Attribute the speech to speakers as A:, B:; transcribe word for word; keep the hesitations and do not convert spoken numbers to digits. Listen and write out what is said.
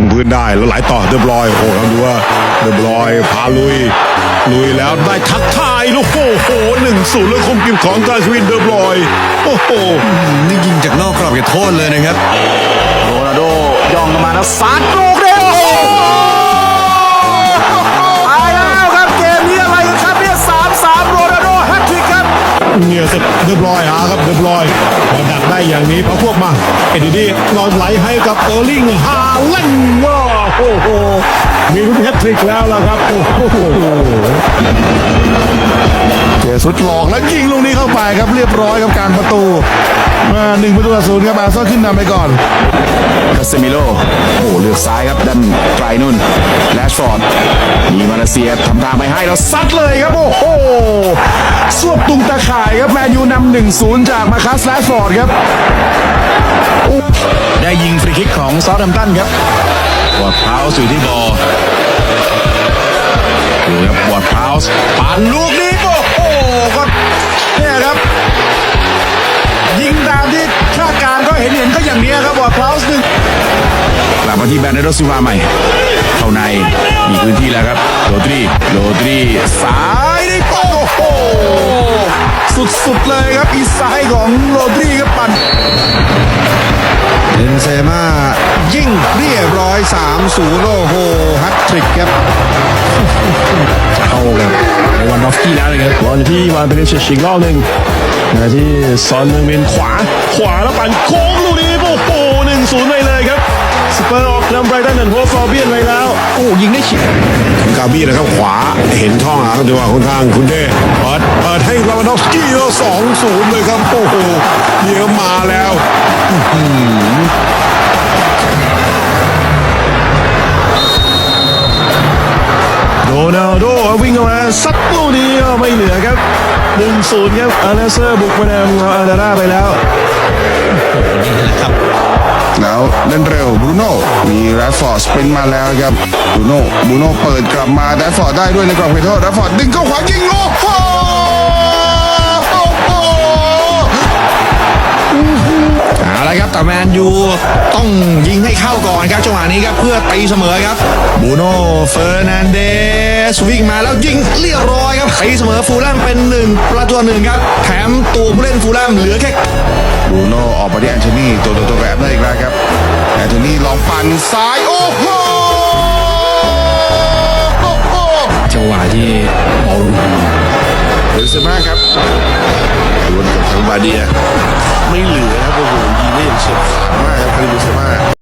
A: พื้นได้แล้วไหลต่อเรียบร้อยโอ้โหเราดูว่าเรียบร้อยพาลุยลุยแล้วได้ทักทายลูกโอ้โหหนึ่งศูนย์เลยคมกิมของกาชวินเรียบร้อยโอ้โห
B: นี่ยิงจากนอกกรอบเขตโทษเลยนะครับ
C: โรนัลโดย่องมาแล้วซัดลูกเร็วตายแล้วครับเกมนี้อะไรกันครับเนี่ยสามสามโรนัลโดแฮตทริกครับ
A: เนี่ยเสร็จเรียบร้อยฮะครับเรียบร้อยพอดักได้อย่างนี้พอพวกมาเอ็ดดี้นอนไหลให้กับเออร์ลิงฮาแลนด์ว้าวโอ้โหมีลูกแฮตทริกแล้วล่ะครับโอ้โห
D: เจสุดหลอกแล้วยิงลูกนี้เข้าไปครับเรียบร้อยกับการประตูมาหนึ่งประตูต่อศูนย์ครับอาร์เซนอลขึ้นนำไปก่อน
C: คาเซมิโลโอ้เลือกซ้ายครับด้านไกลนุ่นแรชฟอร์ดมีมาเลเซียทำทางไปให้แล้วซัดเลยครับโอ้โหสวบตุงตะข่ายครับแมนยูนำหนึ่งศูนย์จากมาคัสแรชฟอร์ดครับ
B: ได้ยิงฟรีคิกของซอลแฮมป์ตันครับวอร์ดพาวส์อยู่ที่บอลดูครับวอร์ดพาวส์ปั่นลูกนี้โอ้โหก็เนี่ยครับยิงตามที่คาดการก็เห็นเห็นก็อย่างนี้ครับวอร์ดพาวส์หนึ่งกลับมาที่แบรนโดซิลวาใหม่เข้าในมีพื้นที่แล้วครับโรดรีโรดรีซ้ายได้โอ้โหสุดๆเลยครับอีซ้ายของโรดรีครับปั่น
D: เบนเซม่ายิงเรียบร้อยสามศูนย์โอ้โหแฮตทริกครับ
A: เข้ากับวันดอฟกี้แล้วเลยครับบอลที่วานเป็นเชชิงรอบหนึ่งมาที่ซอนเมืองเวนขวาขวาแล้วปั่นโค้งลูกนี้โอ้โหหนึ่งศูนย์ไปเลยครับสเปอร์ออกนำไบรตันแอนด์โฮฟอร์เบียนไปแล้ว
B: โอ้ยิงได้เฉียบ
A: กาบี้นะครับขวาเห็นช่องอ่ะจังหวะคนทางคุณเด้เปิดเปิดให้ลาวานดอฟสกี้แล้วสองศูนย์เลยครับโอ้โหเดี๋ยวมาแล้วโรนัลโดวิ่งออกมาซัดลูกนี้ไม่เหลือครับหนึ่งศูนย์ครับอาร์เซอร์บุกมานำอาร์ดาร่าไปแล้ว
B: นี่แหละครับ
D: แล้วเล่นเร็วบรูโน่มีแรดฟอร์ดสปรินต์มาแล้วครับบรูโน่บรูโน่เปิดกลับมาแรดฟอร์ดได้ด้วยในกรอบเขตโทษแรดฟอร์ดดึงเข้าขวายิงโอ้โห
B: เอาละครับแต่แมนยูต้องยิงให้เข้าก่อนครับจังหวะนี้ครับเพื่อตีเสมอครับบูโน่เฟอร์นันเดสวิ่งมาแล้วยิงเรียบร้อยครับตีเสมอฟูลแลมเป็นหนึ่งประตูหนึ่งครับแถมตัวผู้เล่นฟูลแลมเหลือแค่
D: บรูโน่ออกมาที่แอนโทนีตัวตัวตัวแบบได้อีกแล้วครับแอนโทนีลองปั่นซ้ายโอ้โห
B: จังหวะที่บอล
D: เบนเซม่าครับดวลกับทางบาเดียไม่เหลือครับโอ้โหยิงได้อย่างเฉียบขาดมากครับคาริมเบนเซม่า